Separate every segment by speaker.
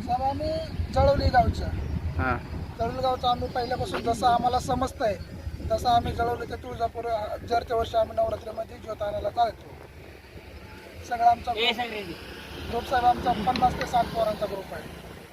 Speaker 1: साहेब आम्ही जळवली गावच्या
Speaker 2: हां
Speaker 1: जळवली गावचं आम्ही पहिल्यापासून जसं आम्हाला समजतंय तसं आम्ही जळवली ते तुळजापूर जरच्या वर्षी आम्ही नवरात्रीमध्ये ज्योत आणायला जायचो. सगळा आमचा ग्रुप साहेब आमचा 50 ते 60 पोरांचा ग्रुप आहे.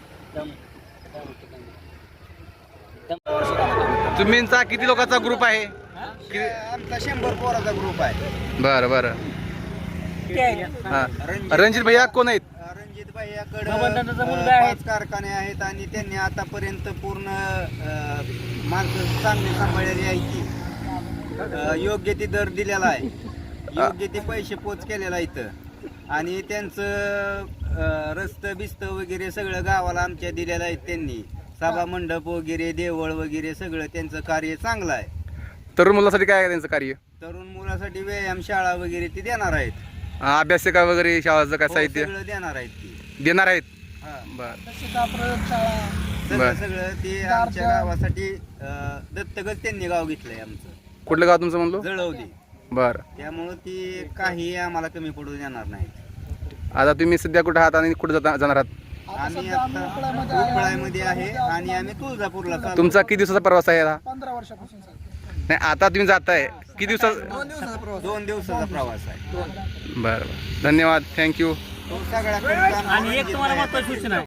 Speaker 2: तुम्हींचा किती लोकांचा ग्रुप आहे?
Speaker 3: आमचा 100 पोराचा ग्रुप आहे.
Speaker 2: बरं बरं. हां रणजित भैया कोण आहेत?
Speaker 3: रणजित भाईयाकडे 5 कारखाने आहेत आणि त्यांनी आतापर्यंत पूर्ण माणसं चांगली सांभाळलेली आहे की योग्य ती दर दिलेला आहे, योग्य ते पैसे पोच केलेला इथं आणि त्यांचं रस्तं बिस्तं वगैरे सगळं गावाला आमच्या दिलेलं आहे. त्यांनी सभा मंडप वगैरे देवळ वगैरे सगळं त्यांचं कार्य चांगलं आहे.
Speaker 2: तरुण मुलासाठी काय आहे त्यांचं कार्य?
Speaker 3: तरुण मुलासाठी व्यायामशाळा वगैरे ती देणार आहेत.
Speaker 2: अभ्यासिका वगैरे शाळाचं काय
Speaker 3: हो,
Speaker 2: साहित्य
Speaker 3: सगळं देणार आहेत ती.
Speaker 2: देणार आहेत?
Speaker 3: हा.
Speaker 2: बरं
Speaker 1: प्रयोगशाळा
Speaker 3: सगळं सगळं ते आमच्या गावासाठी दत्तकच त्यांनी गाव घेतलंय आमचं.
Speaker 2: कुठलं गाव तुमचं म्हणलो?
Speaker 3: जळवली.
Speaker 2: बरं.
Speaker 3: त्यामुळं ती काही आम्हाला कमी पडू देणार नाही.
Speaker 2: आता तुम्ही सध्या कुठं आहात आणि कुठं जाणार आहात?
Speaker 3: आम्ही आता उपळामध्ये आहे आणि आम्ही तुळजापूरला चाललो.
Speaker 2: तुमचा किती दिवसाचा प्रवास आहे हा?
Speaker 1: 15 वर्षापासून साहेब.
Speaker 2: नाही आता तुम्ही जाताय किती दिवसात?
Speaker 3: 2 दिवसाचा प्रवास आहे.
Speaker 2: बरं बरं धन्यवाद थँक्यू.
Speaker 3: तो सगळ्या
Speaker 4: आणि एक तुम्हाला महत्त्वाची सूचना आहे.